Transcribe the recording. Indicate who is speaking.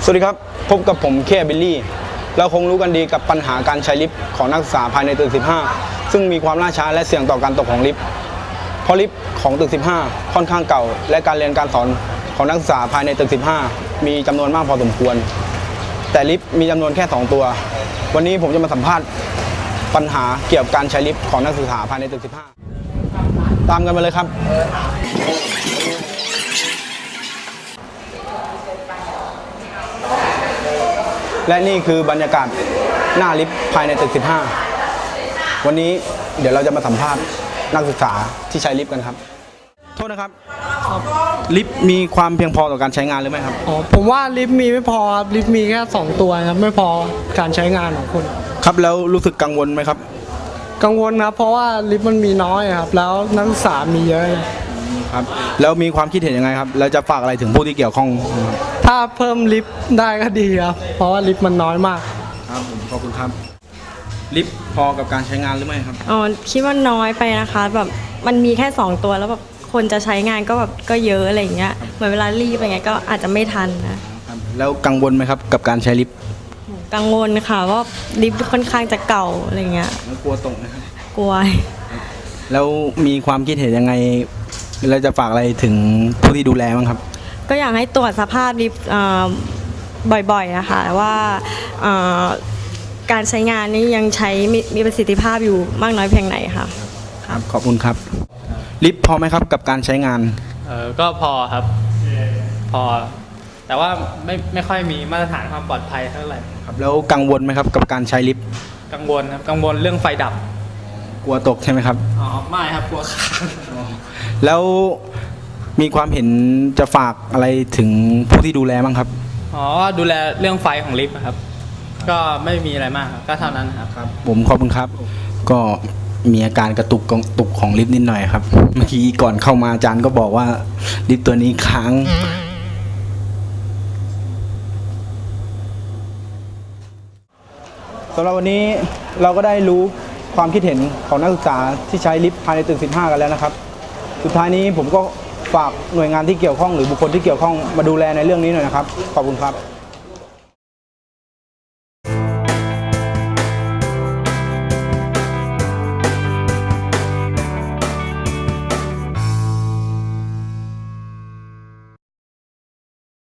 Speaker 1: วัสดีครับพบกับผมเคบิลลี่เราคงรู้กันดีกับปัญหาการใช้ลิฟต์ของนักศึกษาภายในตึก 15 ซึ่งมีความล่าช้าและเสี่ยงต่อการตกของลิฟต์เพราะลิฟต์ของตึก 15 ค่อนข้างเก่าและการเรียนการสอนของนักศึกษาภายในตึก 15 มีจำนวนมากพอสมควรแต่ลิฟต์มีจำนวนแค่2ตัววันนี้ผมจะมาสัมภาษณ์ปัญหาเกี่ยวกับการใช้ลิฟต์ของนักศึกษาภายในตึก 15 ตามกันมาเลยครับและนี่คือบรรยากาศหน้าลิฟต์ภายในตึก 15 วันนี้เดี๋ยวเราจะมาสัมภาษณ์นักศึกษาที่ใช้ลิฟต์กันครับโทษนะครับลิฟต์มีความเพียงพอต่อการใช้งานหรือไม่ครับ
Speaker 2: ผมว่าลิฟต์มีไม่พอครับลิฟต์มีแค่2ตัวครับไม่พอการใช้งานของคุณ
Speaker 1: ครับแล้วรู้สึกกังวลไหมครับ
Speaker 2: กังวลนะเพราะว่าลิฟต์มันมีน้อยครับแล้วนักศึกษามีเยอะ
Speaker 1: ครับแล้วมีความคิดเห็นยังไงครับแล้วจะฝากอะไรถึงผู้ที่เกี่ยวข้อง
Speaker 2: ถ้าเพิ่มลิฟต์ได้ก็ดีครับเพราะว่าลิฟต์มันน้อยมาก
Speaker 1: ครับผมขอบคุณครับลิฟต์พอกับการใช้งานหรือไม่ครับ
Speaker 3: คิดว่าน้อยไปนะคะแบบมันมีแค่2ตัวแล้วแบบคนจะใช้งานก็แบบก็เยอะอะไรอย่างเงี้ยเหมือนเวลารีบอะไรเงี้ยก็อาจจะไม่ทันนะครับ
Speaker 1: แล้วกังวลไหมครับกับการใช้ลิฟต์
Speaker 3: กังวลค่ะว่าลิฟต์ค่อนข้างจะเก่าอะไรเงี้ย
Speaker 1: กลัวตกนะครับ
Speaker 3: กลัว
Speaker 1: แล้วมีความคิดเห็นยังไงเราจะฝากอะไรถึงผู้ที่ดูแลบ้างครับ
Speaker 3: ก็อยากให้ตรวจสภาพลิฟต์บ่อยๆนะคะว่าการใช้งานนี้ยังใช้มีประสิทธิภาพอยู่มากน้อยเพียงไหนค่ะ
Speaker 1: ครับขอบคุณครับลิฟต์พอไหมครับกับการใช้งาน
Speaker 4: ก็พอครับพอแต่ว่าไม่ค่อยมีมาตรฐานความปลอดภัยเท่าไหร่
Speaker 1: ครับแล้วกังวลไหมครับกับการใช้ลิฟต์
Speaker 4: กังวลครับกังวลเรื่องไฟดับ
Speaker 1: กลัวตกใช่ไหมครับ
Speaker 4: ไม่ครับกลัวค้าง
Speaker 1: แล้วมีความเห็นจะฝากอะไรถึงผู้ที่ดูแลบ้างครับ
Speaker 4: ดูแลเรื่องไฟของลิฟต์ครับก็ไม่มีอะไรมากก็เท่านั้นครับ
Speaker 1: ผมขอบคุณครับก็มีอาการกระตุกของลิฟต์นิดหน่อยครับเมื่อกี้ก่อนเข้ามาอาจารย์ก็บอกว่าลิฟต์ตัวนี้ค้างสำหรับวันนี้เราก็ได้รู้ความคิดเห็นของนักศึกษาที่ใช้ลิฟต์ภายในตึก 15 กันแล้วนะครับสุดท้ายนี้ผมก็ฝากหน่วยงานที่เกี่ยวข้องหรือบุคคลที่เกี่ยวข้องมาดูแลในเรื่องนี้หน่อยนะครับขอบคุณครับ